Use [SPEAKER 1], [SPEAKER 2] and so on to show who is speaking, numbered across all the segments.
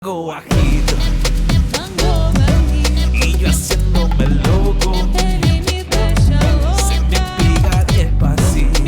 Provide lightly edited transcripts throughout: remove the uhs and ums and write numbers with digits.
[SPEAKER 1] Bajito y yo haciéndome loco, se me pega despacito,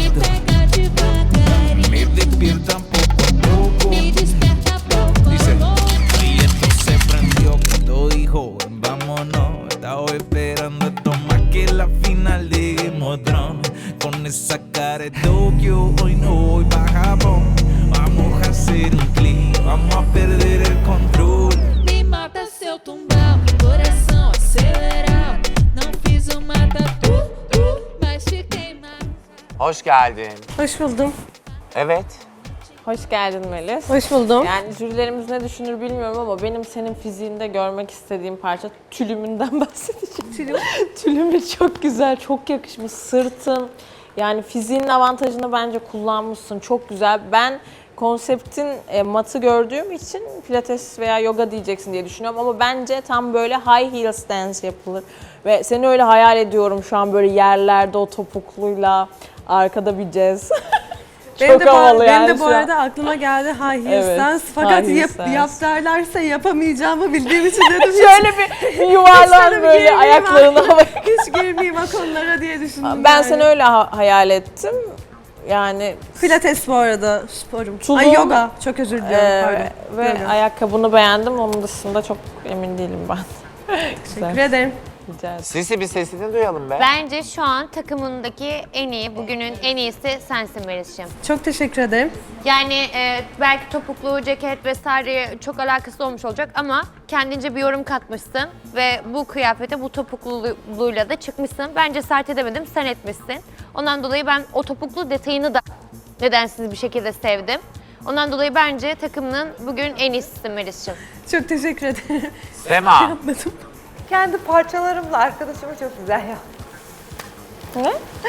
[SPEAKER 1] me despiertan poco a poco. Dice, y esto se prendió cuando dijo vámonos. Estaba esperando esto más que la final de Game of Thrones. Con esa cara de Tokio hoy no voy pa' Japón. Vamos a hacer un clic, vamos a perder el control.
[SPEAKER 2] Me mata seu tumbal, coração acelerar. Não fiz uma tatu, mas fiquei mal.
[SPEAKER 3] Hoş geldin.
[SPEAKER 4] Hoş buldum.
[SPEAKER 3] Evet.
[SPEAKER 5] Hoş geldin Melis.
[SPEAKER 4] Hoş buldum.
[SPEAKER 5] Yani jürilerimiz ne düşünür bilmiyorum ama benim senin fiziğinde görmek istediğim parça tülümünden bahsedeceğim. Tülümü çok güzel, çok yakışmış. Sırtın, yani fiziğin avantajını bence kullanmışsın. Çok güzel. Ben konseptin matı gördüğüm için pilates veya yoga diyeceksin diye düşünüyorum ama bence tam böyle high heels dance yapılır. Ve seni öyle hayal ediyorum şu an böyle yerlerde o topukluyla arkada bir jazz.
[SPEAKER 4] Benim de,
[SPEAKER 5] havalı
[SPEAKER 4] benim
[SPEAKER 5] yani
[SPEAKER 4] de bu
[SPEAKER 5] şu an.
[SPEAKER 4] arada aklıma geldi high heels
[SPEAKER 5] Evet,
[SPEAKER 4] dance. Fakat
[SPEAKER 5] high heels dance.
[SPEAKER 4] yap derlerse yapamayacağımı bildiğim için dedim.
[SPEAKER 5] Şöyle bir yuvarlan
[SPEAKER 4] Hiç
[SPEAKER 5] böyle
[SPEAKER 4] girmeyeyim
[SPEAKER 5] ayaklarını
[SPEAKER 4] ha-
[SPEAKER 5] havaya.
[SPEAKER 4] Hiç girmeyeyim o konulara diye düşündüm.
[SPEAKER 5] Ben
[SPEAKER 4] yani.
[SPEAKER 5] seni öyle hayal ettim. Yani
[SPEAKER 4] Pilates bu arada sporum.
[SPEAKER 5] Tulum,
[SPEAKER 4] Ay yoga. Çok özür diliyorum pardon.
[SPEAKER 5] ve
[SPEAKER 4] Yoga.
[SPEAKER 5] ayakkabını beğendim. Onun dışında çok emin değilim ben.
[SPEAKER 4] Teşekkür ederim.
[SPEAKER 5] Rica ederim.
[SPEAKER 3] Sisi bir sesini duyalım be.
[SPEAKER 6] Bence şu an takımındaki en iyi, bugünün en iyisi sensin Melis'ciğim.
[SPEAKER 4] Çok teşekkür ederim.
[SPEAKER 6] Yani belki topuklu, ceket vesaire çok alakası olmuş olacak ama kendince bir yorum katmışsın ve bu kıyafete bu topukluluğuyla da çıkmışsın. Bence sert edemedim, sen etmişsin. Ondan dolayı ben o topuklu detayını da nedensiz bir şekilde sevdim. Ondan dolayı bence takımının bugün en iyisisin Melis'ciğim.
[SPEAKER 4] Çok teşekkür ederim.
[SPEAKER 3] Sema.
[SPEAKER 7] Kendi parçalarımla arkadaşımı çok güzel yaptım.
[SPEAKER 5] Ne?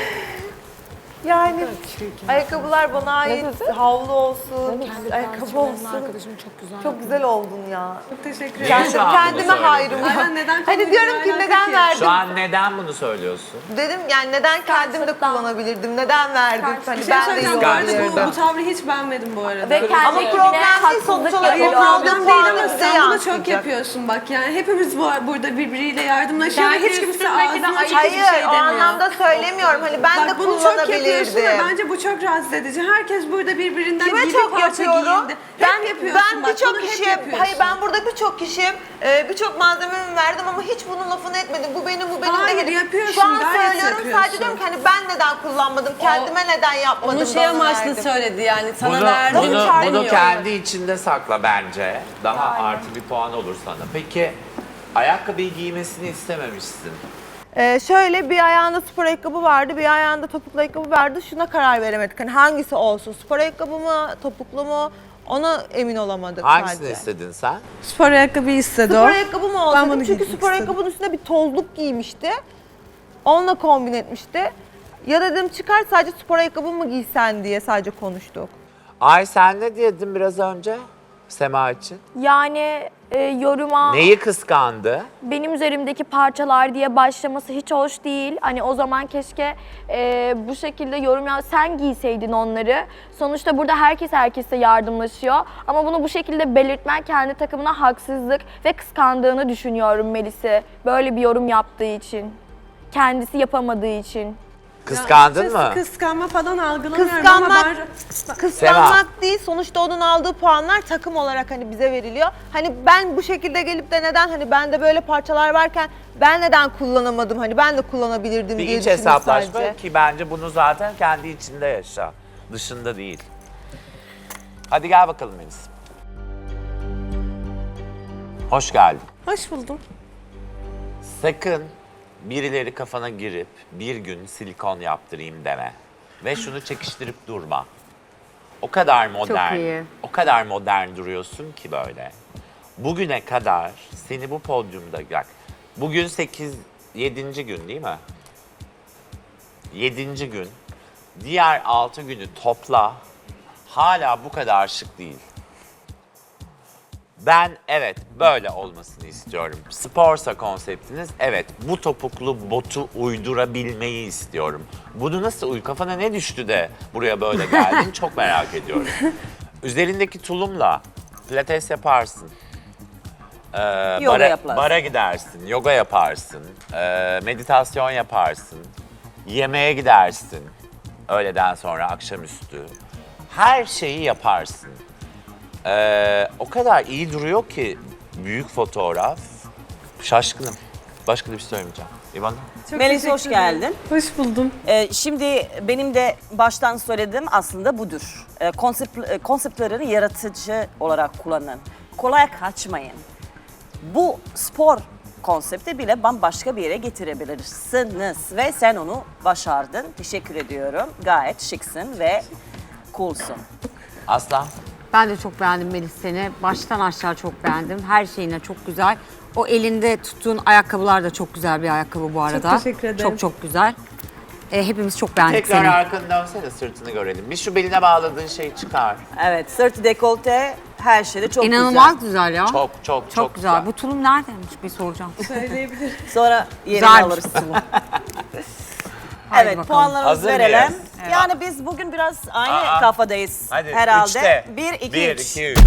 [SPEAKER 7] Yani ayakkabılar bana ait, havlu olsun, ayakkabı olsun. Çok güzel oldun ya.
[SPEAKER 4] Çok teşekkür
[SPEAKER 3] Niye
[SPEAKER 4] ederim.
[SPEAKER 3] şu an bunu
[SPEAKER 7] Kendime
[SPEAKER 3] söyledin?
[SPEAKER 7] hayrım.
[SPEAKER 4] Ay ben neden
[SPEAKER 7] Hani diyorum ki neden verdim?
[SPEAKER 3] Şu an neden bunu söylüyorsun?
[SPEAKER 7] Dedim yani neden kendim de kullanabilirdim? Neden verdim? Hani
[SPEAKER 4] Bir şey
[SPEAKER 7] ben de
[SPEAKER 4] söyleyeceğim bu arada
[SPEAKER 3] Kıskançlıktan.
[SPEAKER 4] bu tavrı hiç beğenmedim bu arada.
[SPEAKER 6] Ve kendi
[SPEAKER 7] Ama problem değil sonuç olarak
[SPEAKER 4] Hayır
[SPEAKER 7] o aldığım
[SPEAKER 4] problem değil
[SPEAKER 7] puanı
[SPEAKER 4] ama
[SPEAKER 7] bize
[SPEAKER 4] sen bunu çok
[SPEAKER 7] yansıyacak.
[SPEAKER 4] yapıyorsun bak yani hepimiz burada birbiriyle yardımlaşıyor ve hiç kimse ağzına açık
[SPEAKER 7] Hayır
[SPEAKER 4] hiçbir şey
[SPEAKER 7] o
[SPEAKER 4] demiyor.
[SPEAKER 7] anlamda söylemiyorum. Hani ben de
[SPEAKER 4] Bak bunu çok yapıyorsun ve
[SPEAKER 7] kullanabilirdim.
[SPEAKER 4] bence bu çok rahatsız edici. Herkes burada birbirinden
[SPEAKER 7] Kime
[SPEAKER 4] giydi
[SPEAKER 7] çok
[SPEAKER 4] parça
[SPEAKER 7] yapıyorum?
[SPEAKER 4] giyindi.
[SPEAKER 7] Ben
[SPEAKER 4] Hep yapıyorsun
[SPEAKER 7] ben
[SPEAKER 4] bak,
[SPEAKER 7] birçok
[SPEAKER 4] bunu hep
[SPEAKER 7] kişiye,
[SPEAKER 4] yapıyorsun.
[SPEAKER 7] hayır ben burada birçok kişiye birçok malzememi verdim ama hiç bunun lafını etmedim. Bu benim, bu benim
[SPEAKER 4] Hayır,
[SPEAKER 7] değil.
[SPEAKER 4] yapıyorsun,
[SPEAKER 7] Şu an
[SPEAKER 4] gayet
[SPEAKER 7] söylüyorum
[SPEAKER 4] yapıyorsun.
[SPEAKER 7] sadece diyorum ki hani ben neden kullanmadım, kendime neden yapmadım
[SPEAKER 8] Onu
[SPEAKER 7] da
[SPEAKER 8] şey
[SPEAKER 7] onu
[SPEAKER 8] amaçlı
[SPEAKER 7] verdim.
[SPEAKER 8] söyledi yani sana
[SPEAKER 3] Bunu,
[SPEAKER 8] verdim
[SPEAKER 3] bunu,
[SPEAKER 8] demiyor.
[SPEAKER 3] bunu kendi içinde sakla bence. Daha artı bir puan olur sana. Peki ayakkabıyı giymesini istememişsin.
[SPEAKER 7] Şöyle bir ayağında spor ayakkabı vardı, bir ayağında topuklu ayakkabı vardı. Şuna karar veremedik. Hani hangisi olsun? Spor ayakkabı mı, topuklu mu? Ona emin olamadık
[SPEAKER 3] Hangisini
[SPEAKER 7] sadece.
[SPEAKER 3] istedin sen?
[SPEAKER 4] Spor ayakkabı istedi
[SPEAKER 7] Spor
[SPEAKER 4] o.
[SPEAKER 7] ayakkabı mı
[SPEAKER 4] Ben
[SPEAKER 7] olsaydı?
[SPEAKER 4] bunu
[SPEAKER 7] Çünkü
[SPEAKER 4] giymek
[SPEAKER 7] spor
[SPEAKER 4] istedim.
[SPEAKER 7] ayakkabının üstüne bir tozluk giymişti. Onunla kombin etmişti. Ya dedim çıkar sadece spor ayakkabı mı giysen diye sadece konuştuk.
[SPEAKER 3] Ay sen ne diyordun biraz önce Sema için?
[SPEAKER 9] Yani yoruma
[SPEAKER 3] Neyi kıskandı?
[SPEAKER 9] benim üzerimdeki parçalar diye başlaması hiç hoş değil. Hani o zaman keşke bu şekilde yorum sen giyseydin onları. Sonuçta burada herkes herkese yardımlaşıyor. Ama bunu bu şekilde belirtmen kendi takımına haksızlık ve kıskandığını düşünüyorum Melis'i. Böyle bir yorum yaptığı için. Kendisi yapamadığı için.
[SPEAKER 3] Kıskandın mı?
[SPEAKER 4] Kıskanma falan algılamıyorum ama
[SPEAKER 7] Kıskanmak değil. Sonuçta onun aldığı puanlar takım olarak hani bize veriliyor. Hani ben bu şekilde gelip de neden hani bende böyle parçalar varken ben neden kullanamadım? Hani ben de kullanabilirdim
[SPEAKER 3] Bir
[SPEAKER 7] diye
[SPEAKER 3] iç
[SPEAKER 7] düşündüm
[SPEAKER 3] hesaplaşma
[SPEAKER 7] sadece.
[SPEAKER 3] ki bence bunu zaten kendi içinde yaşa. Dışında değil. Hadi gel bakalım Melis. Hoş geldin.
[SPEAKER 4] hoş buldum.
[SPEAKER 3] Sakın birileri kafana girip bir gün silikon yaptırayım deme. Ve şunu çekiştirip durma. O kadar modern, o kadar modern duruyorsun ki böyle. Bugüne kadar seni bu podyumda, bak bugün 7. gün değil mi? 7. gün. Diğer 6 günü topla. Hala bu kadar şık değil. Ben evet böyle olmasını istiyorum. Sporsa konseptiniz evet bu topuklu botu uydurabilmeyi istiyorum. Bunu nasıl kafana ne düştü de buraya böyle geldin çok merak ediyorum. Üzerindeki tulumla pilates yaparsın.
[SPEAKER 8] Yoga yaparsın.
[SPEAKER 3] bara gidersin, yoga yaparsın, meditasyon yaparsın, yemeğe gidersin öğleden sonra akşamüstü. Her şeyi yaparsın. O kadar iyi duruyor ki büyük fotoğraf. Şaşkınım. Başka da bir şey söylemeyeceğim. İvan?
[SPEAKER 8] Melis hoş geldin.
[SPEAKER 4] Hoş buldum.
[SPEAKER 8] Şimdi benim de baştan söylediğim aslında budur. Konseptleri yaratıcı olarak kullanın. Kolay kaçmayın. Bu spor konsepti bile bambaşka bir yere getirebilirsiniz. Ve sen onu başardın. Teşekkür ediyorum. Gayet şıksın ve coolsun.
[SPEAKER 3] Aslan?
[SPEAKER 10] Ben de çok beğendim Melis seni. Baştan aşağı çok beğendim. Her şeyine çok güzel. O elinde tuttuğun ayakkabılar da çok güzel bir ayakkabı bu arada.
[SPEAKER 4] Çok teşekkür ederim.
[SPEAKER 10] Çok çok güzel. Hepimiz çok beğendik
[SPEAKER 3] Tekrar
[SPEAKER 10] seni.
[SPEAKER 3] arkanı dönsene, sırtını görelim. Bir şu beline bağladığın şeyi çıkar.
[SPEAKER 8] Evet, sırt dekolte her şeyde çok
[SPEAKER 10] İnanılmaz güzel ya.
[SPEAKER 3] Çok
[SPEAKER 10] güzel. Bu tulum neredeymiş bir soracağım.
[SPEAKER 8] güzel. Sonra yerini
[SPEAKER 10] Güzelmiş
[SPEAKER 8] alırız.
[SPEAKER 10] Haydi
[SPEAKER 8] Evet,
[SPEAKER 10] bakalım.
[SPEAKER 8] puanlarımızı
[SPEAKER 3] Hazır
[SPEAKER 8] verelim.
[SPEAKER 3] mıyız?
[SPEAKER 8] Yani biz bugün biraz aynı
[SPEAKER 3] Aa.
[SPEAKER 8] kafadayız
[SPEAKER 3] Hadi
[SPEAKER 8] herhalde.
[SPEAKER 3] üçte.
[SPEAKER 8] 1, 2,
[SPEAKER 3] 1,
[SPEAKER 8] 3.
[SPEAKER 3] 2, 3.
[SPEAKER 8] 8.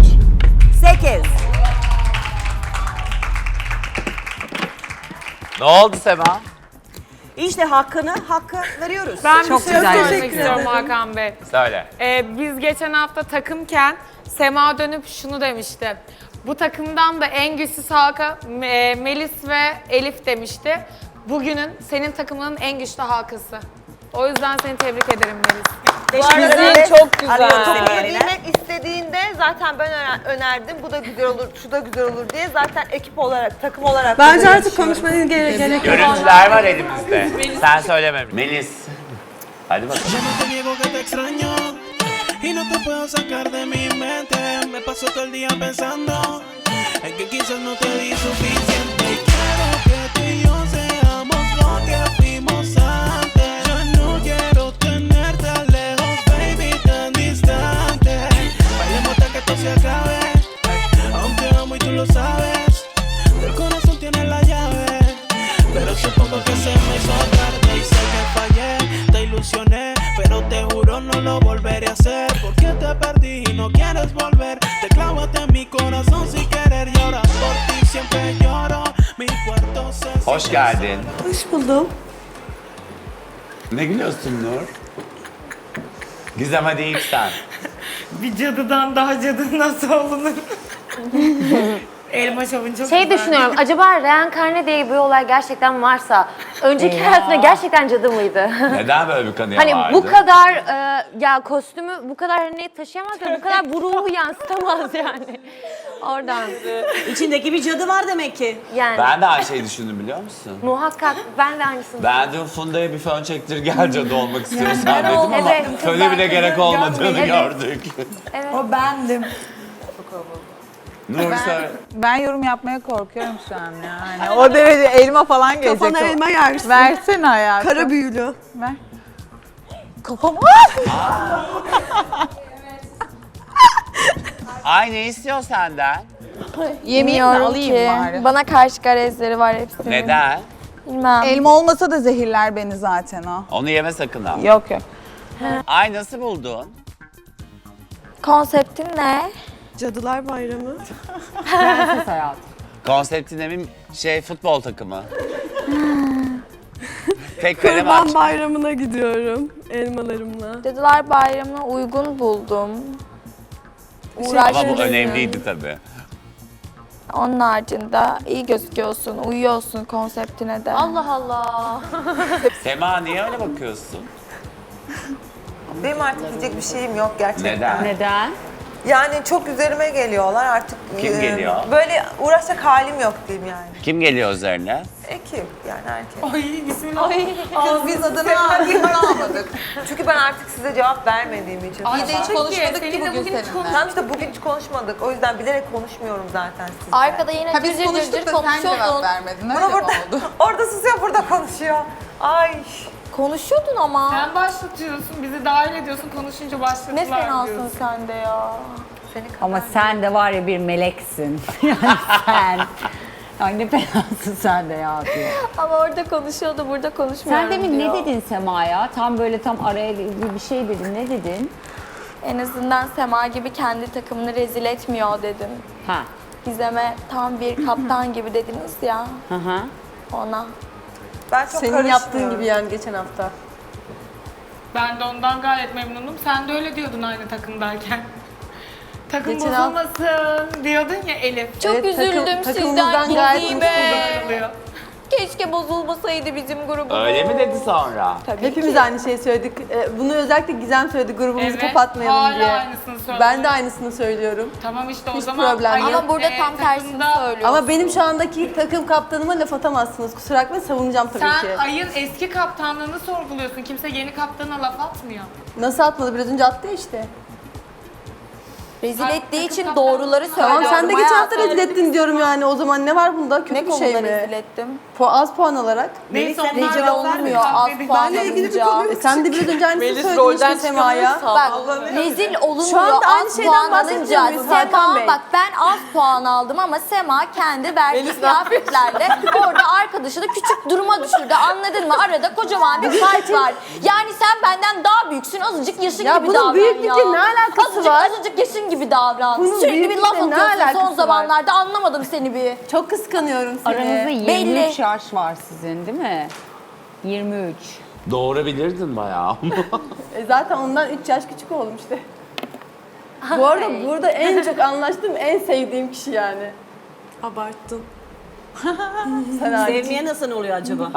[SPEAKER 3] Ne oldu Sema?
[SPEAKER 8] İşte hakkı veriyoruz.
[SPEAKER 5] Ben
[SPEAKER 10] Çok
[SPEAKER 5] bir şey
[SPEAKER 10] güzel.
[SPEAKER 5] söylemek
[SPEAKER 4] Teşekkür
[SPEAKER 5] istiyorum
[SPEAKER 4] ederim.
[SPEAKER 5] Hakan Bey.
[SPEAKER 3] Söyle.
[SPEAKER 5] Biz geçen hafta takımken Sema dönüp şunu demişti. Bu takımdan da en güçlüsü halka Melis ve Elif demişti. Bugünün senin takımının en güçlü halkası. O yüzden seni tebrik ederim Melis.
[SPEAKER 8] Teşekkür
[SPEAKER 7] arada
[SPEAKER 8] ederiz.
[SPEAKER 5] çok güzel.
[SPEAKER 8] Arıyorum seni
[SPEAKER 7] Topuğu
[SPEAKER 8] yerine.
[SPEAKER 7] giymek istediğinde zaten ben önerdim. Bu da güzel olur, şu da güzel olur diye. Zaten ekip olarak, takım olarak.
[SPEAKER 4] Bence
[SPEAKER 7] burada
[SPEAKER 4] artık
[SPEAKER 7] yarışıyoruz.
[SPEAKER 4] konuşmaya gerek yok.
[SPEAKER 3] Görüntüler var elimizde. Sen söyleme. Melis. Hadi bakalım.
[SPEAKER 1] Yo no te niego que te extraño y no te puedo sacar de mi mente. Me paso todo el día pensando en que quizás no te di suficiente. Y quiero que tú y yo seamos lo que fuimos antes. Yo no quiero tenerte lejos, baby, tan distante. Bailemos hasta que esto se acabe, aunque amo y tú lo sabes. El corazón tiene la llave, pero supongo que se me hizo tarde y sé que fallé. Te ilusioné, pero te juro no lo volveré a hacer. Porque te perdí y no quieres volver. Te clavaste en mi corazón sin querer y ahora por ti siempre lloro. Mi cuarto se...
[SPEAKER 3] Hoş geldin.
[SPEAKER 4] Hoş buldum.
[SPEAKER 3] Ne gülüyorsun Nur? Gizem hadi ilk sen.
[SPEAKER 5] Bir cadıdan daha cadı nasıl olunur? Elma şovun çok
[SPEAKER 6] Şey düşünüyorum, acaba reenkarne diye bir olay gerçekten varsa, önceki hayatında gerçekten cadı mıydı?
[SPEAKER 3] Neden böyle bir kanıya
[SPEAKER 6] Hani
[SPEAKER 3] vardı?
[SPEAKER 6] bu kadar, ya kostümü bu kadar hani taşıyamaz ve bu kadar bu ruhu yansıtamaz yani. Oradan.
[SPEAKER 8] İçindeki bir cadı var demek ki.
[SPEAKER 6] Yani
[SPEAKER 3] Ben de aynı şeyi düşündüm biliyor musun?
[SPEAKER 6] muhakkak ben de aynısını.
[SPEAKER 3] Ben dün Funda'ya bir fön çektir gel cadı olmak istiyorsan dedim ama
[SPEAKER 6] Evet,
[SPEAKER 3] föne bile gerek olmadığını
[SPEAKER 6] Evet.
[SPEAKER 3] gördük.
[SPEAKER 11] O bendim.
[SPEAKER 3] Nur söyle.
[SPEAKER 11] Ben yorum yapmaya korkuyorum şu an yani. O derece elma falan gelecek.
[SPEAKER 4] Kafana elma yersin.
[SPEAKER 11] Versene hayatım.
[SPEAKER 4] Kara büyülü.
[SPEAKER 11] Ver. Kafama.
[SPEAKER 3] Ay ne istiyor senden?
[SPEAKER 11] Yemeğimi
[SPEAKER 9] Bilmiyorum
[SPEAKER 11] alayım
[SPEAKER 9] ki.
[SPEAKER 11] bari.
[SPEAKER 9] Bana karşı garezleri var hepsinin.
[SPEAKER 3] Neden?
[SPEAKER 9] Bilmem.
[SPEAKER 11] Elma olmasa da zehirler beni zaten o.
[SPEAKER 3] Onu yeme sakın ha.
[SPEAKER 11] Yok yok.
[SPEAKER 3] Ay nasıl buldun?
[SPEAKER 9] Konseptin ne?
[SPEAKER 4] Cadılar Bayramı.
[SPEAKER 3] Konseptin emin futbol takımı. Tek kare maç.
[SPEAKER 4] Kurban Bayramı'na gidiyorum elmalarımla.
[SPEAKER 9] Cadılar Bayramı'na uygun buldum.
[SPEAKER 3] Ama bu
[SPEAKER 9] Uğraşmışsın.
[SPEAKER 3] önemliydi tabii.
[SPEAKER 9] Onun haricinde iyi gözüküyorsun, uyuyorsun konseptine de.
[SPEAKER 6] Allah Allah.
[SPEAKER 3] Sema niye öyle bakıyorsun?
[SPEAKER 7] Benim artık diyecek bir şeyim yok gerçekten.
[SPEAKER 3] Neden?
[SPEAKER 7] Yani çok üzerime geliyorlar artık.
[SPEAKER 3] Kim geliyor?
[SPEAKER 7] Böyle uğraşacak halim yok diyeyim yani.
[SPEAKER 3] Kim geliyor üzerine?
[SPEAKER 7] Ekip yani herkes.
[SPEAKER 5] Ay bismillah.
[SPEAKER 7] Biz adını almadık. Çünkü ben artık size cevap vermediğim için.
[SPEAKER 5] Ay de hiç konuşmadık ki bugün
[SPEAKER 7] Tamam işte bugün hiç konuşmadık. O yüzden bilerek konuşmuyorum zaten sizle.
[SPEAKER 9] Arkada yine
[SPEAKER 11] Ha biz konuştuk da sen cevap vermedin. Öyle mi oldu?
[SPEAKER 7] Orada susuyor, burada konuşuyor. Ay.
[SPEAKER 9] Konuşuyordun ama.
[SPEAKER 5] Sen başlatıyorsun, bizi dahil ediyorsun, konuşunca başlatırlar
[SPEAKER 9] Ne fenasın
[SPEAKER 5] diyorsun.
[SPEAKER 9] sen de ya.
[SPEAKER 12] Ama sen de var ya bir meleksin. Yani sen. Ay ne fenasın sen de ya diyor.
[SPEAKER 9] Ama orada konuşuyordu, burada konuşmuyorum
[SPEAKER 12] Sen demin
[SPEAKER 9] diyor.
[SPEAKER 12] ne dedin Sema'ya? Tam böyle tam araya bir şey dedin. Ne dedin?
[SPEAKER 9] En azından Sema gibi kendi takımını rezil etmiyor dedim.
[SPEAKER 12] Ha.
[SPEAKER 9] Gizem'e tam bir kaptan gibi dediniz ya.
[SPEAKER 10] Hı hı.
[SPEAKER 9] Ona.
[SPEAKER 7] Ben çok
[SPEAKER 4] Senin yaptığın gibi yani geçen hafta.
[SPEAKER 13] Ben de ondan gayet memnunum. Sen de öyle diyordun aynı takımdayken. Takım
[SPEAKER 4] Geçen
[SPEAKER 13] bozulmasın diyordun ya Elif.
[SPEAKER 9] Çok üzüldüm
[SPEAKER 4] takımımızdan
[SPEAKER 9] sizden
[SPEAKER 4] gayet
[SPEAKER 9] Gizem'e.
[SPEAKER 13] Oluyor.
[SPEAKER 9] Keşke bozulmasaydı bizim grubumuz.
[SPEAKER 3] Öyle mi dedi sonra?
[SPEAKER 9] Tabii
[SPEAKER 4] Hepimiz
[SPEAKER 9] ki.
[SPEAKER 4] aynı şeyi söyledik. Bunu özellikle Gizem söyledi grubumuzu
[SPEAKER 13] Evet,
[SPEAKER 4] kapatmayalım
[SPEAKER 13] hala
[SPEAKER 4] diye.
[SPEAKER 13] aynısını söylüyor.
[SPEAKER 4] Ben de aynısını söylüyorum.
[SPEAKER 13] Tamam işte o
[SPEAKER 4] Hiç
[SPEAKER 13] zaman
[SPEAKER 4] problem yok.
[SPEAKER 9] Ama burada tam tersini
[SPEAKER 13] takımda-
[SPEAKER 9] söylüyor.
[SPEAKER 4] Ama benim şu andaki takım kaptanıma laf atamazsınız. Kusura bakmayın, savunacağım tabii
[SPEAKER 13] Sen
[SPEAKER 4] ki.
[SPEAKER 13] Ay'ın eski kaptanlığını sorguluyorsun. Kimse yeni kaptana laf atmıyor.
[SPEAKER 4] Nasıl atmadı? Biraz önce attı ya işte.
[SPEAKER 9] Rezil
[SPEAKER 13] Bak,
[SPEAKER 9] ettiği
[SPEAKER 13] takım
[SPEAKER 9] için
[SPEAKER 13] kaptanı-
[SPEAKER 9] doğruları söylüyorum.
[SPEAKER 4] Tamam sen de geçen hafta
[SPEAKER 9] hayatım.
[SPEAKER 4] rezil ettin diyorum yani. O zaman ne var bunda? Kötü
[SPEAKER 9] Ne
[SPEAKER 4] bir şey
[SPEAKER 9] konuda
[SPEAKER 4] mi?
[SPEAKER 9] rezil ettim?
[SPEAKER 4] Az puan alarak.
[SPEAKER 13] Neyse
[SPEAKER 8] Melis,
[SPEAKER 13] onlar
[SPEAKER 9] Rezil
[SPEAKER 13] da
[SPEAKER 9] olmuyor
[SPEAKER 13] zaten
[SPEAKER 9] az
[SPEAKER 13] kavga
[SPEAKER 9] puan
[SPEAKER 4] Benle ilgili bir
[SPEAKER 9] alınca.
[SPEAKER 4] konu yok. Sen de biraz önce aynısını
[SPEAKER 7] Melis
[SPEAKER 4] söyledin
[SPEAKER 7] rolden
[SPEAKER 4] işte Sema'ya.
[SPEAKER 9] Bak rezil olunmuyor
[SPEAKER 4] Şu anda aynı
[SPEAKER 9] az
[SPEAKER 4] şeyden
[SPEAKER 9] puan
[SPEAKER 4] bahsetmiyor
[SPEAKER 9] alınca.
[SPEAKER 4] muyuz Hakan
[SPEAKER 9] Sema
[SPEAKER 4] Bey?
[SPEAKER 9] bak ben az puan aldım ama Sema kendi verdiği kıyafetlerle orada arkadaşını küçük duruma düşürdü. Anladın mı? Arada kocaman bir fark var. Yani sen benden daha büyüksün. Azıcık yaşın
[SPEAKER 4] Ya
[SPEAKER 9] gibi
[SPEAKER 4] bunun
[SPEAKER 9] davran
[SPEAKER 4] büyüklükle
[SPEAKER 9] ya.
[SPEAKER 4] ne alakası var?
[SPEAKER 9] Azıcık yaşın gibi davran.
[SPEAKER 4] Bunun
[SPEAKER 9] Sürekli bir laf
[SPEAKER 4] büyüklükle ne
[SPEAKER 9] atıyorsun
[SPEAKER 4] alakası
[SPEAKER 9] son
[SPEAKER 4] var?
[SPEAKER 9] zamanlarda. Anlamadım seni bir.
[SPEAKER 4] Çok kıskanıyorum seni.
[SPEAKER 12] Aranızda 23
[SPEAKER 9] Belli.
[SPEAKER 12] yaş var sizin değil mi? 23.
[SPEAKER 3] Doğurabilirdin bayağı.
[SPEAKER 4] Zaten ondan 3 yaş küçük oldum işte. Bu arada burada en çok anlaştığım, en sevdiğim kişi yani. Abarttın. Sen hariç.
[SPEAKER 8] Sevmeye nasıl oluyor acaba?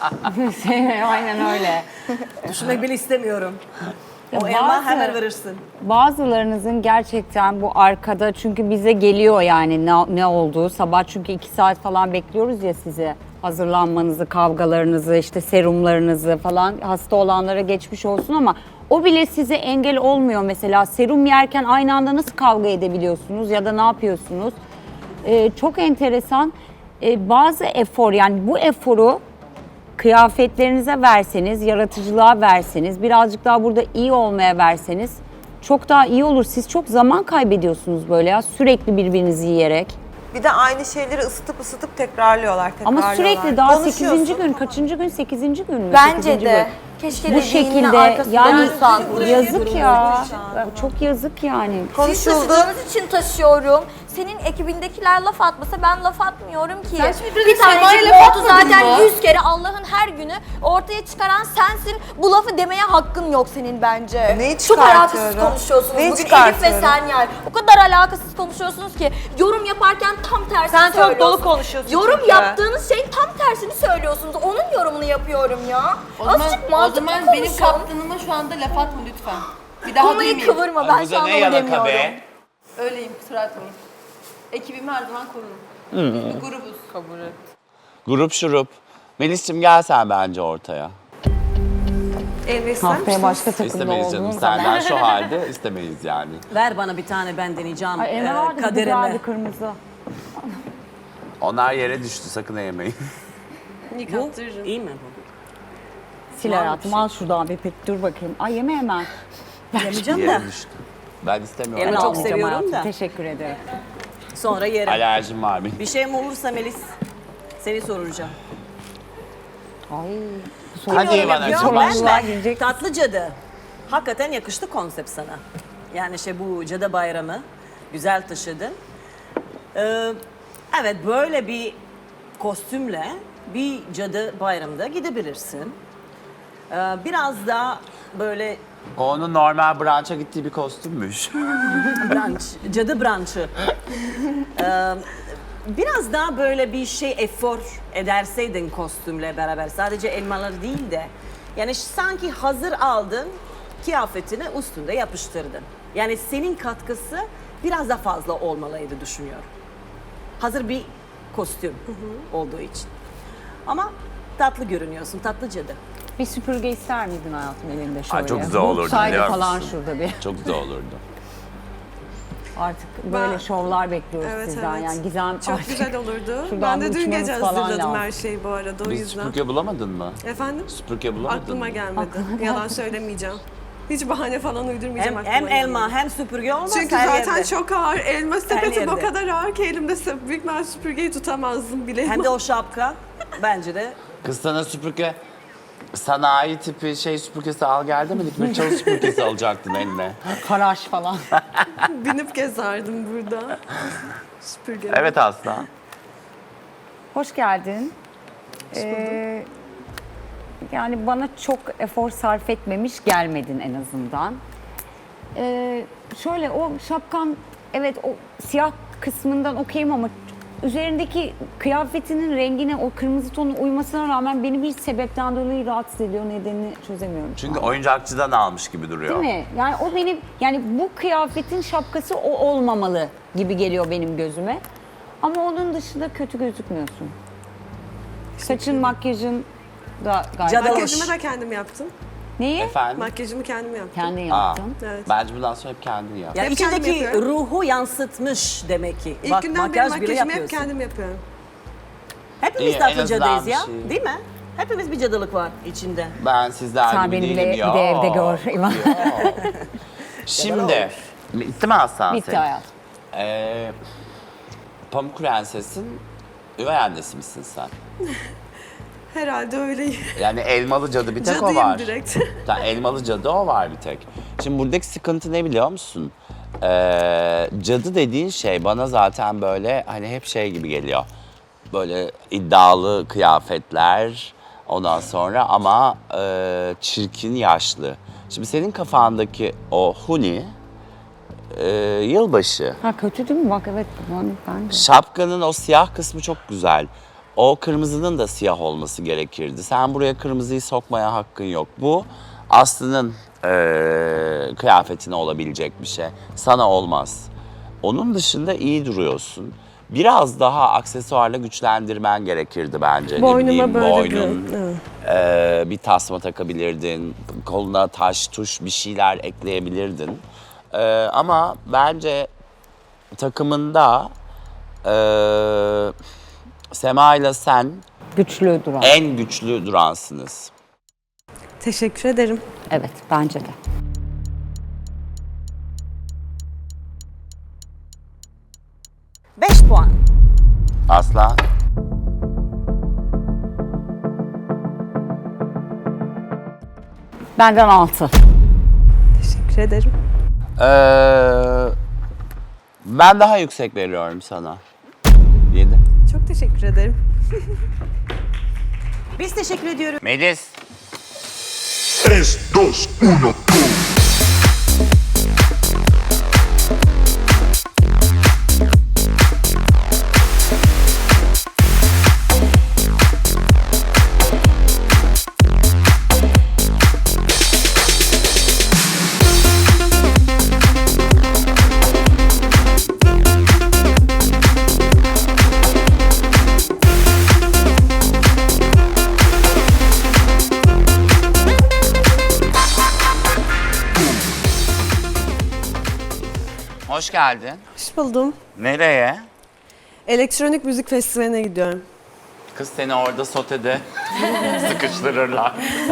[SPEAKER 12] Aynen öyle.
[SPEAKER 8] Düşünmek bile istemiyorum.
[SPEAKER 12] Ya
[SPEAKER 8] O elma
[SPEAKER 12] bazı-
[SPEAKER 8] hemen verirsin.
[SPEAKER 12] Bazılarınızın gerçekten bu arkada çünkü bize geliyor yani ne olduğu. Sabah çünkü 2 saat falan bekliyoruz ya sizi. Hazırlanmanızı, kavgalarınızı, işte serumlarınızı falan hasta olanlara geçmiş olsun ama o bile size engel olmuyor mesela. Serum yerken aynı anda nasıl kavga edebiliyorsunuz ya da ne yapıyorsunuz? Çok enteresan. Bazı efor yani bu eforu kıyafetlerinize verseniz, yaratıcılığa verseniz, birazcık daha burada iyi olmaya verseniz çok daha iyi olur. Siz çok zaman kaybediyorsunuz böyle ya sürekli birbirinizi yiyerek.
[SPEAKER 7] Bir de aynı şeyleri ısıtıp tekrarlıyorlar.
[SPEAKER 12] Ama sürekli daha 8.
[SPEAKER 7] Konuşuyorsun.
[SPEAKER 12] gün, kaçıncı gün? 8. gün mü?
[SPEAKER 9] Bence
[SPEAKER 12] 8.
[SPEAKER 9] de.
[SPEAKER 12] gün.
[SPEAKER 9] Keşke
[SPEAKER 12] Bu
[SPEAKER 9] dediğinin
[SPEAKER 12] şekilde
[SPEAKER 9] arkasında
[SPEAKER 12] yani
[SPEAKER 9] dursan.
[SPEAKER 12] yazık ya. Çok yazık yani.
[SPEAKER 9] Siz taşıdığınız için taşıyorum. Senin ekibindekiler laf atmasa ben laf atmıyorum ki.
[SPEAKER 4] Sen şimdi
[SPEAKER 9] Bir
[SPEAKER 4] Sema'ya
[SPEAKER 9] tanecik
[SPEAKER 4] laf
[SPEAKER 9] oldu
[SPEAKER 4] atmadın
[SPEAKER 9] zaten
[SPEAKER 4] mı?
[SPEAKER 9] 100 kere Allah'ın her günü ortaya çıkaran sensin. Bu lafı demeye hakkın yok senin bence.
[SPEAKER 7] Neyi
[SPEAKER 9] Çok alakasız
[SPEAKER 7] çıkartıyorum?
[SPEAKER 9] konuşuyorsunuz.
[SPEAKER 7] Neyi
[SPEAKER 9] Bugün Elif ve
[SPEAKER 7] çıkartıyorum?
[SPEAKER 9] sen yani. O kadar alakasız konuşuyorsunuz ki yorum yaparken tam tersini
[SPEAKER 7] Sen çok
[SPEAKER 9] söylüyorsunuz.
[SPEAKER 7] dolu konuşuyorsun
[SPEAKER 9] Yorum
[SPEAKER 7] çünkü.
[SPEAKER 9] yaptığınız şeyin tam tersini söylüyorsunuz. Onun yorumunu yapıyorum ya. Azıcık mantıklı konuşun.
[SPEAKER 4] kaptanıma şu anda laf atma lütfen. Bir daha
[SPEAKER 9] Konuyu
[SPEAKER 4] duymayayım.
[SPEAKER 9] kıvırma ben
[SPEAKER 3] Bu
[SPEAKER 9] şu
[SPEAKER 3] da
[SPEAKER 9] an
[SPEAKER 3] ne
[SPEAKER 9] onu
[SPEAKER 3] yalaka
[SPEAKER 9] demiyorum.
[SPEAKER 3] be?
[SPEAKER 4] Öyleyim, kusura bakmayın. Ekibimi her zaman korurum. Biz bir grubuz.
[SPEAKER 11] Kabul et.
[SPEAKER 3] Grup şurup. Melis'cim gel sen bence ortaya.
[SPEAKER 12] Haftaya başka takımda
[SPEAKER 3] İstemeyiz canım.
[SPEAKER 12] olduğunuz zaman.
[SPEAKER 3] Senden şu halde istemeyiz yani.
[SPEAKER 8] Ver bana bir tane ben deneyeceğim
[SPEAKER 12] Ay, Emre vardı bir
[SPEAKER 8] kaderimi.
[SPEAKER 12] güzeldi kırmızı.
[SPEAKER 3] Onlar yere düştü, sakın yemeyin.
[SPEAKER 8] Bu iyi mi bu?
[SPEAKER 12] Sil hayatım al şuradan bir pek dur bakayım. Ay yeme hemen.
[SPEAKER 8] Yemeyeceğim de
[SPEAKER 3] Yere düştü. Ben istemiyorum.
[SPEAKER 8] Elma çok
[SPEAKER 12] Almayacağım
[SPEAKER 8] seviyorum
[SPEAKER 12] hayatım.
[SPEAKER 8] da.
[SPEAKER 12] Teşekkür ederim.
[SPEAKER 8] sonra yerim.
[SPEAKER 3] Alerjim var benim.
[SPEAKER 8] Bir şeyim olursa Melis seni soracağım.
[SPEAKER 12] Ay.
[SPEAKER 3] Hadi bana
[SPEAKER 8] Ya
[SPEAKER 3] başla.
[SPEAKER 8] ben tatlı cadı. Hakikaten yakıştı konsept sana. Yani bu cadı bayramı güzel taşıdın. Evet böyle bir kostümle bir cadı bayramında gidebilirsin. Biraz daha böyle
[SPEAKER 3] O onun normal branşa gittiği bir kostümmüş.
[SPEAKER 8] branş, cadı branşı. Biraz daha böyle bir efor ederseydin kostümle beraber. Sadece elmaları değil de. Yani sanki hazır aldın, kıyafetini üstünde yapıştırdın. Yani senin katkısı biraz daha fazla olmalıydı düşünüyorum. Hazır bir kostüm olduğu için. Ama tatlı görünüyorsun, tatlı cadı.
[SPEAKER 12] Bir süpürge ister miydin hayatım elinde şöyle?
[SPEAKER 3] Ay, çok güzel olurdu,
[SPEAKER 12] Bulsaydı
[SPEAKER 3] biliyor
[SPEAKER 12] falan
[SPEAKER 3] musun?
[SPEAKER 12] şurada bir.
[SPEAKER 3] Çok güzel olurdu.
[SPEAKER 12] Artık böyle şovlar bekliyoruz sizden. Yani Gizem
[SPEAKER 4] Çok
[SPEAKER 12] artık
[SPEAKER 4] güzel olurdu.
[SPEAKER 12] şuradan
[SPEAKER 4] Ben de
[SPEAKER 12] bir
[SPEAKER 4] dün gece
[SPEAKER 12] uçmanız falan
[SPEAKER 4] hazırladım
[SPEAKER 12] lazım.
[SPEAKER 4] her şeyi bu arada o
[SPEAKER 3] Biz
[SPEAKER 4] yüzden.
[SPEAKER 3] süpürge bulamadın mı?
[SPEAKER 4] Efendim?
[SPEAKER 3] Süpürge bulamadın
[SPEAKER 4] Aklıma
[SPEAKER 3] mı?
[SPEAKER 4] gelmedi. Yalan söylemeyeceğim. Hiç bahane falan uydurmayacağım.
[SPEAKER 8] Hem
[SPEAKER 4] aklıma
[SPEAKER 8] elma
[SPEAKER 4] gelmedi.
[SPEAKER 8] hem süpürge olmaz
[SPEAKER 4] Çünkü
[SPEAKER 8] her
[SPEAKER 4] zaten
[SPEAKER 8] yerde.
[SPEAKER 4] çok ağır. Elma sepetim o
[SPEAKER 8] yerde.
[SPEAKER 4] kadar ağır ki elimde büyük ben süpürgeyi tutamazdım bile.
[SPEAKER 8] Hem de o şapka bence de
[SPEAKER 3] Kız sana süpürge Sanayi tipi süpürgesi al gel demedik mi? Çalı süpürgesi alacaktın eline.
[SPEAKER 12] Faraş falan.
[SPEAKER 4] Binip gezerdim burada. Süpürge.
[SPEAKER 3] Evet Aslan.
[SPEAKER 12] Hoş geldin. Yani bana çok efor sarf etmemiş gelmedin en azından. Şöyle o şapkan, evet o siyah kısmından okeyim ama üzerindeki kıyafetinin rengine, o kırmızı tonu uymasına rağmen beni bir sebepten dolayı rahatsız ediyor. Nedenini çözemiyorum.
[SPEAKER 3] Çünkü oyuncakçıdan almış gibi duruyor.
[SPEAKER 12] Değil mi? Yani o benim, yani bu kıyafetin şapkası o olmamalı gibi geliyor benim gözüme. Ama onun dışında kötü gözükmüyorsun. Saçın, makyajın da gayet...
[SPEAKER 4] Makyajımı da kendim yaptım.
[SPEAKER 12] Neyi?
[SPEAKER 3] Efendim?
[SPEAKER 4] Makyajımı kendim yaptım.
[SPEAKER 12] Kendin yaptın.
[SPEAKER 4] Evet.
[SPEAKER 3] Bence bundan sonra hep kendin yap.
[SPEAKER 8] Yani
[SPEAKER 4] Hep kendim
[SPEAKER 8] içindeki
[SPEAKER 4] yapıyorum.
[SPEAKER 8] ruhu yansıtmış demek ki.
[SPEAKER 4] İlk
[SPEAKER 8] Bak
[SPEAKER 4] günden beri
[SPEAKER 8] makyaj bile
[SPEAKER 4] makyajımı hep
[SPEAKER 8] yapıyorsun.
[SPEAKER 4] kendim yapıyorum.
[SPEAKER 8] Hepimiz
[SPEAKER 3] İyi,
[SPEAKER 8] de
[SPEAKER 3] en azından
[SPEAKER 8] Atlıca'dayız
[SPEAKER 3] bir
[SPEAKER 8] ya.
[SPEAKER 3] şey.
[SPEAKER 8] Değil mi? Hepimiz bir cadılık var içinde.
[SPEAKER 3] Ben sizler
[SPEAKER 12] Sen
[SPEAKER 3] gibi
[SPEAKER 12] beni
[SPEAKER 3] değilim
[SPEAKER 12] bile
[SPEAKER 3] ya.
[SPEAKER 12] bir de evde gör. İvan.
[SPEAKER 3] Şimdi, bitti mi Aslan
[SPEAKER 12] Bitti
[SPEAKER 3] senin?
[SPEAKER 12] hayat.
[SPEAKER 3] Pamuk Prenses'in üvey annesi misin sen?
[SPEAKER 4] Herhalde öyle.
[SPEAKER 3] Yani elmalı cadı bir tek o
[SPEAKER 4] Cadıyım
[SPEAKER 3] var.
[SPEAKER 4] direkt.
[SPEAKER 3] Elmalı cadı o var bir tek. Şimdi buradaki sıkıntı ne biliyor musun? Cadı dediğin şey bana zaten böyle hani hep gibi geliyor. Böyle iddialı kıyafetler ondan sonra ama çirkin yaşlı. Şimdi senin kafandaki o huni yılbaşı.
[SPEAKER 12] Ha kötü değil mi? Bak evet ben de.
[SPEAKER 3] Şapkanın o siyah kısmı çok güzel. O kırmızının da siyah olması gerekirdi. Sen buraya kırmızıyı sokmaya hakkın yok. Bu Aslı'nın kıyafetine olabilecek bir şey. Sana olmaz. Onun dışında iyi duruyorsun. Biraz daha aksesuarla güçlendirmen gerekirdi bence.
[SPEAKER 4] Boynuma böyle
[SPEAKER 3] boynun,
[SPEAKER 4] evet.
[SPEAKER 3] bir tasma takabilirdin. Koluna taş, tuş bir şeyler ekleyebilirdin. Ama bence takımında Sema ile sen
[SPEAKER 12] Güçlü duran.
[SPEAKER 3] en güçlü duransınız.
[SPEAKER 4] Teşekkür ederim.
[SPEAKER 12] Evet bence de.
[SPEAKER 8] Beş puan.
[SPEAKER 3] Aslan.
[SPEAKER 12] Benden 6.
[SPEAKER 4] Teşekkür ederim.
[SPEAKER 3] Ben daha yüksek veriyorum sana. 7.
[SPEAKER 4] Çok teşekkür ederim.
[SPEAKER 8] Biz teşekkür ediyoruz.
[SPEAKER 3] Melis.
[SPEAKER 14] 3, 2, 1, go!
[SPEAKER 3] Hoş geldin.
[SPEAKER 4] Hoş buldum.
[SPEAKER 3] Nereye?
[SPEAKER 4] Elektronik müzik festivaline gidiyorum.
[SPEAKER 3] Kız seni orada sotede sıkıştırırlar.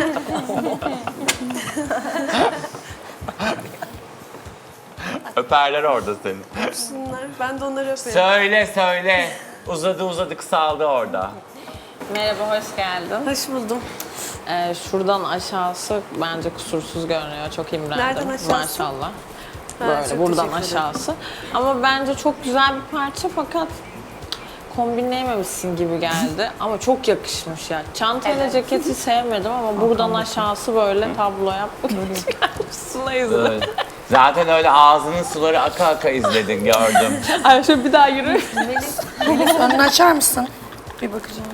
[SPEAKER 3] Öperler orada seni.
[SPEAKER 4] Şunlar, ben de onları öpeyim.
[SPEAKER 3] Söyle. Uzadı kısaldı orada.
[SPEAKER 5] Merhaba, hoş geldin.
[SPEAKER 4] Hoş buldum.
[SPEAKER 5] Şuradan aşağısı bence kusursuz görünüyor. Çok imrendim.
[SPEAKER 4] Nereden aşağısı?
[SPEAKER 5] Maşallah.
[SPEAKER 4] Ha,
[SPEAKER 5] Böyle
[SPEAKER 4] çok
[SPEAKER 5] buradan
[SPEAKER 4] teşekkür ederim.
[SPEAKER 5] aşağısı. Ama bence çok güzel bir parça fakat kombinleyememişsin gibi geldi. Ama çok yakışmış ya. Çantayla ceketi sevmedim ama buradan aşağısı böyle tablo yapmak üstüne izledim.
[SPEAKER 3] Evet. Zaten öyle ağzının suları aka aka izledin gördüm.
[SPEAKER 5] Ay şöyle bir daha yürü.
[SPEAKER 15] Önünü açar mısın? Bir bakacağım.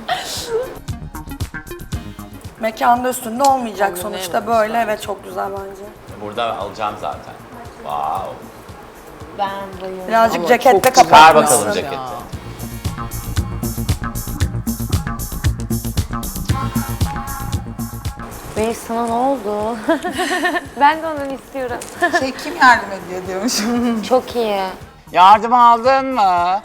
[SPEAKER 15] Mekanda üstünde olmayacak sonuçta böyle. Evet çok güzel bence.
[SPEAKER 3] Burada alacağım zaten. Wow.
[SPEAKER 15] Birazcık
[SPEAKER 5] Ama
[SPEAKER 15] cekette
[SPEAKER 5] çok
[SPEAKER 3] Çıkar
[SPEAKER 15] kapatmışsın.
[SPEAKER 3] bakalım ceketi.
[SPEAKER 6] Melis sana ne oldu? Ben de onu istiyorum.
[SPEAKER 11] Kim yardım ediyor diyormuş.
[SPEAKER 6] Çok iyi.
[SPEAKER 3] Yardım aldın mı?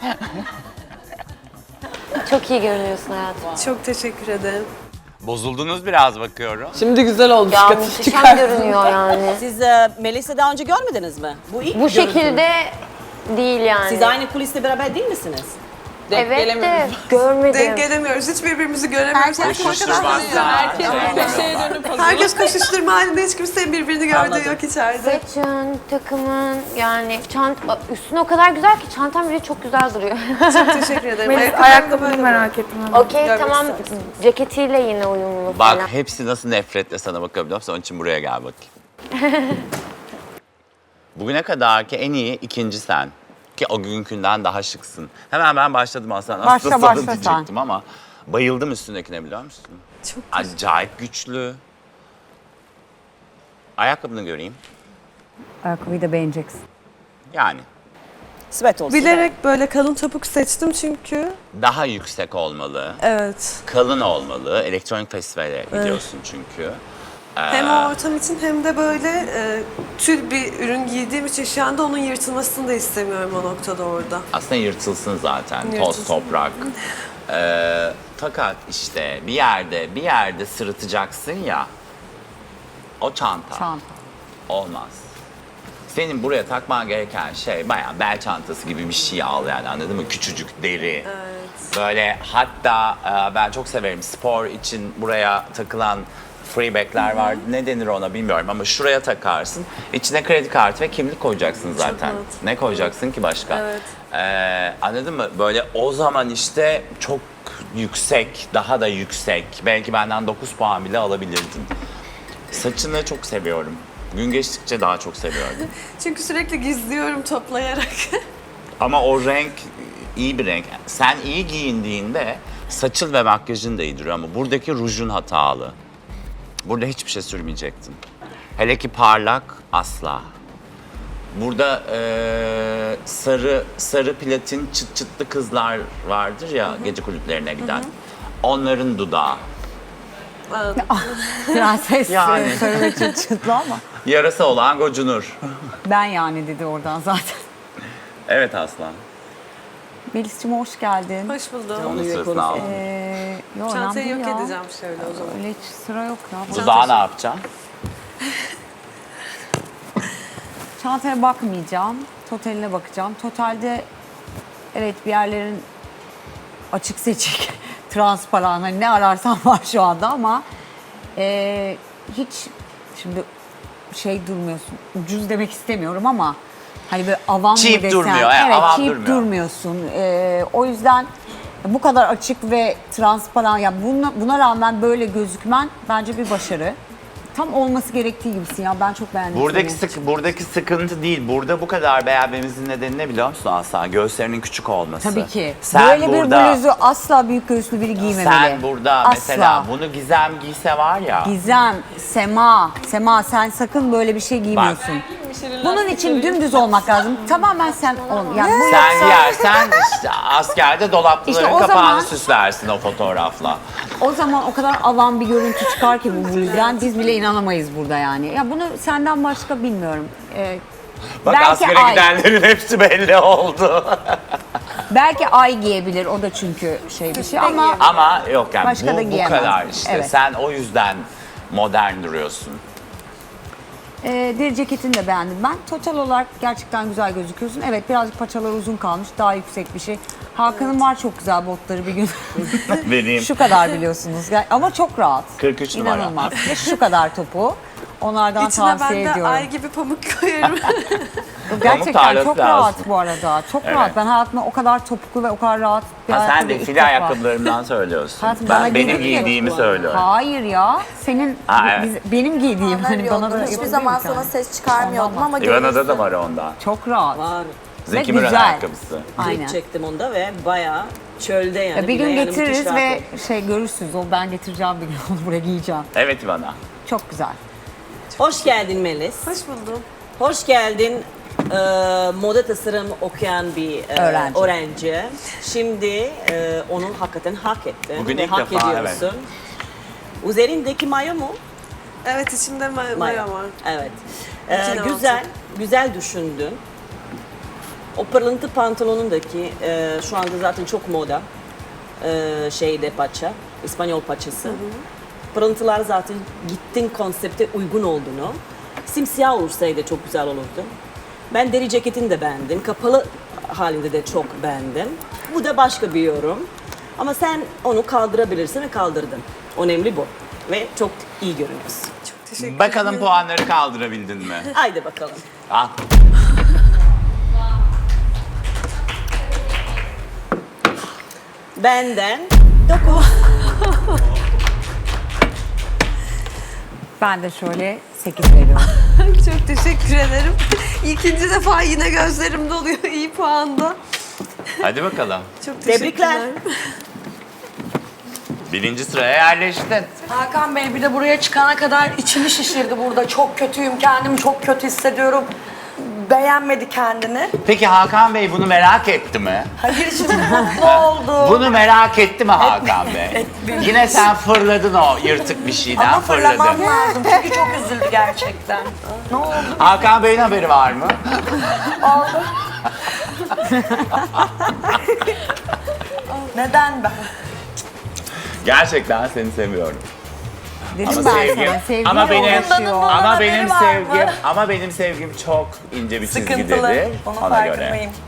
[SPEAKER 6] Çok iyi görünüyorsun hayatım.
[SPEAKER 4] Çok teşekkür ederim.
[SPEAKER 3] Bozuldunuz biraz bakıyorum.
[SPEAKER 5] Şimdi güzel oldu.
[SPEAKER 6] Ya
[SPEAKER 5] dikkatini
[SPEAKER 6] muhteşem
[SPEAKER 5] çıkar.
[SPEAKER 6] görünüyor yani.
[SPEAKER 8] Siz Melis'i daha önce görmediniz mi? Bu ilk
[SPEAKER 6] Bu
[SPEAKER 8] görüntü mü?
[SPEAKER 6] şekilde değil yani.
[SPEAKER 8] Siz aynı kuliste beraber değil misiniz?
[SPEAKER 6] Evet de görmedim.
[SPEAKER 4] Denk gelemiyoruz. Hiç birbirimizi göremiyoruz. Herkes koşuşturma halinde. Hiç kimsenin birbirini gördüğü yok içeride.
[SPEAKER 6] Saçın, takımın yani üstüne o kadar güzel ki çantam bile çok güzel duruyor.
[SPEAKER 4] Çok teşekkür ederim.
[SPEAKER 11] Ayakkabını merak ettim.
[SPEAKER 6] Okey tamam ceketiyle yine uyumlu falan.
[SPEAKER 3] Bak hepsi nasıl nefretle sana bakabiliyor musun? Onun için buraya gel bakayım. Bugüne kadarki en iyi ikinci sen. Ki o günkünden daha şıksın. Hemen ben başladım aslında.
[SPEAKER 12] Başla,
[SPEAKER 3] Nasıl
[SPEAKER 12] sen.
[SPEAKER 3] diyecektim ama bayıldım üstündekine biliyor musun?
[SPEAKER 4] Çok
[SPEAKER 3] acayip güçlü. Ayakkabını göreyim.
[SPEAKER 12] Ayakkabıyı da beğeneceksin.
[SPEAKER 3] Yani
[SPEAKER 8] Sweat olsun.
[SPEAKER 4] Bilerek böyle kalın topuk seçtim çünkü.
[SPEAKER 3] daha yüksek olmalı.
[SPEAKER 4] Evet.
[SPEAKER 3] Kalın olmalı. Elektronik festivale gidiyorsun çünkü.
[SPEAKER 4] Hem o ortam için hem de böyle tül bir ürün giydiğim için şu anda onun yırtılmasını da istemiyorum o noktada orada.
[SPEAKER 3] Aslında yırtılsın zaten. Toz,
[SPEAKER 4] Yırtılsın.
[SPEAKER 3] toprak. Fakat işte bir yerde sırıtacaksın ya. O çanta. Olmaz. Senin buraya takman gereken şey bayağı bel çantası gibi bir şey al yani, anladın mı? Küçücük deri.
[SPEAKER 4] Evet.
[SPEAKER 3] Böyle hatta ben çok severim spor için buraya takılan freeback'ler var. Ne denir ona bilmiyorum ama şuraya takarsın. İçine kredi kartı ve kimlik koyacaksın zaten. Ne koyacaksın ki başka?
[SPEAKER 4] Evet.
[SPEAKER 3] Anladın mı? Böyle o zaman işte çok yüksek, daha da yüksek. Belki benden 9 puan bile alabilirdin. Saçını çok seviyorum. Gün geçtikçe daha çok seviyorum.
[SPEAKER 4] Çünkü sürekli gizliyorum toplayarak.
[SPEAKER 3] Ama o renk iyi bir renk. Sen iyi giyindiğinde saçın ve makyajın da iyi duruyor ama buradaki rujun hatalı. Burada hiçbir şey sürmeyecektin. Hele ki parlak asla. Burada sarı platin çıt çıtlı kızlar vardır ya gece kulüplerine giden. Onların dudağı.
[SPEAKER 12] Prenses
[SPEAKER 3] Yani.
[SPEAKER 12] sarı çıtlı ama.
[SPEAKER 3] Yarası olan gocunur.
[SPEAKER 12] Ben yani dedi oradan zaten.
[SPEAKER 3] Evet Aslan.
[SPEAKER 12] Melis'cim hoş geldin.
[SPEAKER 4] Hoş buldum.
[SPEAKER 3] Onun sırasını aldım.
[SPEAKER 12] Yok,
[SPEAKER 4] Çantayı
[SPEAKER 12] önemli
[SPEAKER 4] yok
[SPEAKER 12] değil ya.
[SPEAKER 4] edeceğim şöyle o zaman.
[SPEAKER 12] Öyle hiç sıra yok ya.
[SPEAKER 3] Dudağı ne yapacağım?
[SPEAKER 12] Çantaya bakmayacağım. Totaline bakacağım. Totalde evet bir yerlerin açık seçik, transparan hani ne ararsan var şu anda ama hiç şimdi şey durmuyorsun. Ucuz demek istemiyorum ama hani böyle avam mı
[SPEAKER 3] Cheap
[SPEAKER 12] desen.
[SPEAKER 3] durmuyor,
[SPEAKER 12] Evet,
[SPEAKER 3] avam
[SPEAKER 12] cheap
[SPEAKER 3] durmuyor.
[SPEAKER 12] durmuyorsun. O yüzden bu kadar açık ve transparan ya buna rağmen böyle gözükmen bence bir başarı. Tam olması gerektiği gibisin ya. Ben çok beğendim.
[SPEAKER 3] Buradaki sıkıntı değil. Burada bu kadar beğenmemizin nedeni ne biliyor musun Aslan? Göğüslerinin küçük olması.
[SPEAKER 12] Tabii ki.
[SPEAKER 3] Sen
[SPEAKER 12] Böyle
[SPEAKER 3] burada,
[SPEAKER 12] bir bluzu asla büyük göğüslü biri giymemeli.
[SPEAKER 3] Sen burada
[SPEAKER 12] asla.
[SPEAKER 3] mesela bunu Gizem giyse var ya.
[SPEAKER 12] Sema sen sakın böyle bir şey giymiyorsun. Bunun için dümdüz olmak lazım. Tamamen sen ol. Yani bu
[SPEAKER 3] Sen
[SPEAKER 12] yoksa-
[SPEAKER 3] giyersen işte askerde dolapların
[SPEAKER 12] İşte o
[SPEAKER 3] kapağını
[SPEAKER 12] zaman-
[SPEAKER 3] süslersin o fotoğrafla.
[SPEAKER 12] O zaman o kadar avam bir görüntü çıkar ki bu bluzdan biz bile inanamayız burada yani. Ya bunu senden başka bilmiyorum.
[SPEAKER 3] Bak
[SPEAKER 12] Belki
[SPEAKER 3] askere
[SPEAKER 12] ay.
[SPEAKER 3] gidenlerin hepsi belli oldu.
[SPEAKER 12] Belki ay giyebilir o da çünkü şey bir şey ama
[SPEAKER 3] Ama yok yani
[SPEAKER 12] Başka da
[SPEAKER 3] bu
[SPEAKER 12] giyemez.
[SPEAKER 3] kadar işte.
[SPEAKER 12] Evet.
[SPEAKER 3] Sen o yüzden modern duruyorsun.
[SPEAKER 12] deri ceketini de beğendim ben. Total olarak gerçekten güzel gözüküyorsun. Evet birazcık paçalar uzun kalmış daha yüksek bir şey. Hakan'ın var çok güzel botları bir gün.
[SPEAKER 3] Benim.
[SPEAKER 12] Şu kadar biliyorsunuz ama çok rahat.
[SPEAKER 3] 43 numara.
[SPEAKER 12] İnanılmaz. Ve şu kadar topu. Onlardan
[SPEAKER 4] İçine
[SPEAKER 12] tavsiye
[SPEAKER 4] ben de
[SPEAKER 12] ediyorum.
[SPEAKER 4] ay gibi pamuk koyarım.
[SPEAKER 12] Gerçekten
[SPEAKER 3] tarlası
[SPEAKER 12] çok
[SPEAKER 3] lazım.
[SPEAKER 12] rahat bu arada. Çok
[SPEAKER 3] Evet.
[SPEAKER 12] rahat. Ben hayatımda o kadar topuklu ve o kadar rahat bir
[SPEAKER 3] Ha, sen
[SPEAKER 12] ayakkabı
[SPEAKER 3] de
[SPEAKER 12] ilk
[SPEAKER 3] file
[SPEAKER 12] defa.
[SPEAKER 3] ayakkabılarımdan söylüyorsun.
[SPEAKER 12] Hayatım, bana
[SPEAKER 3] Ben benim
[SPEAKER 12] giydiğin
[SPEAKER 3] giydiğimi söylüyorum.
[SPEAKER 12] Hayır ya. Senin
[SPEAKER 3] Ha, evet.
[SPEAKER 12] benim giydiğim hani bana da
[SPEAKER 9] Hiçbir
[SPEAKER 12] yapabiliyor
[SPEAKER 9] zaman
[SPEAKER 12] musun?
[SPEAKER 9] sana ses çıkarmıyordum
[SPEAKER 12] Ondan
[SPEAKER 9] ama
[SPEAKER 3] İvana'da da var ondan.
[SPEAKER 12] Çok rahat.
[SPEAKER 16] Var.
[SPEAKER 3] Zeki
[SPEAKER 12] Ve
[SPEAKER 3] Müren
[SPEAKER 12] güzel.
[SPEAKER 3] ayakkabısı.
[SPEAKER 12] Aynen.
[SPEAKER 16] Çektim onda ve bayağı çölde yani.
[SPEAKER 12] Ya bir gün
[SPEAKER 16] bile yani
[SPEAKER 12] getiririz
[SPEAKER 16] müthiş
[SPEAKER 12] ve
[SPEAKER 16] rahat
[SPEAKER 12] görürsünüz. O ben getireceğim bir gün onu buraya giyeceğim.
[SPEAKER 3] Evet İvana.
[SPEAKER 12] Çok güzel.
[SPEAKER 16] Hoş geldin Melis.
[SPEAKER 4] Hoş buldum.
[SPEAKER 16] Hoş geldin. Moda tasarım okuyan bir öğrenci. Şimdi onu hakikaten hak ettin.
[SPEAKER 3] Bugün
[SPEAKER 16] ve
[SPEAKER 3] ilk
[SPEAKER 16] hak
[SPEAKER 3] defa,
[SPEAKER 16] ediyorsun. Üzerindeki mayo mu?
[SPEAKER 4] Evet içimde maya var.
[SPEAKER 16] Evet.
[SPEAKER 4] İçine
[SPEAKER 16] Güzel düşündün. O pırlıntı pantolonundaki şu anda zaten çok moda şeyde paça, İspanyol paçası. Pırıntılar zaten gittin konsepte uygun olduğunu. Simsiyah olursaydı çok güzel olurdu. Ben deri ceketini de beğendim. Kapalı halinde de çok beğendim. Bu da başka bir yorum. Ama sen onu kaldırabilirsin ve kaldırdın. Önemli bu. Ve çok iyi görünüyorsun. Çok teşekkür
[SPEAKER 3] Bakalım puanları kaldırabildin mi?
[SPEAKER 16] Haydi bakalım.
[SPEAKER 3] Al.
[SPEAKER 16] Benden
[SPEAKER 12] Ben de şöyle 8 veriyorum.
[SPEAKER 15] Çok teşekkür ederim. İkinci defa yine gözlerim doluyor iyi puanda.
[SPEAKER 3] Hadi bakalım.
[SPEAKER 15] Çok
[SPEAKER 16] tebrikler.
[SPEAKER 3] Birinci sıraya yerleştin.
[SPEAKER 15] Hakan Bey bir de buraya çıkana kadar içimi şişirdi burada. Çok kötüyüm, kendimi çok kötü hissediyorum. Beğenmedi kendini.
[SPEAKER 3] Peki Hakan Bey bunu merak etti mi?
[SPEAKER 15] Hayır şimdi mutlu oldu.
[SPEAKER 3] Bunu merak etti mi Hakan Bey? Yine sen fırladın o yırtık bir şeyden
[SPEAKER 15] Ama fırlamam
[SPEAKER 3] fırladın.
[SPEAKER 15] lazım çünkü çok üzüldü gerçekten. Ne oldu?
[SPEAKER 3] Hakan Bey'in haberi var mı?
[SPEAKER 15] Oldu. Neden ben?
[SPEAKER 3] Gerçekten seni seviyorum.
[SPEAKER 12] Dedim
[SPEAKER 3] Ama
[SPEAKER 12] ben
[SPEAKER 3] sevgim,
[SPEAKER 12] sana, sevgi
[SPEAKER 3] ama benim,
[SPEAKER 12] uğraşıyor.
[SPEAKER 3] ama
[SPEAKER 15] haberi
[SPEAKER 3] benim
[SPEAKER 15] var mı?
[SPEAKER 3] sevgim, ama benim sevgim çok ince bir
[SPEAKER 15] Sıkıntılı.
[SPEAKER 3] çizgidedir.
[SPEAKER 15] Onun
[SPEAKER 3] Ona göre.
[SPEAKER 15] farkındayım.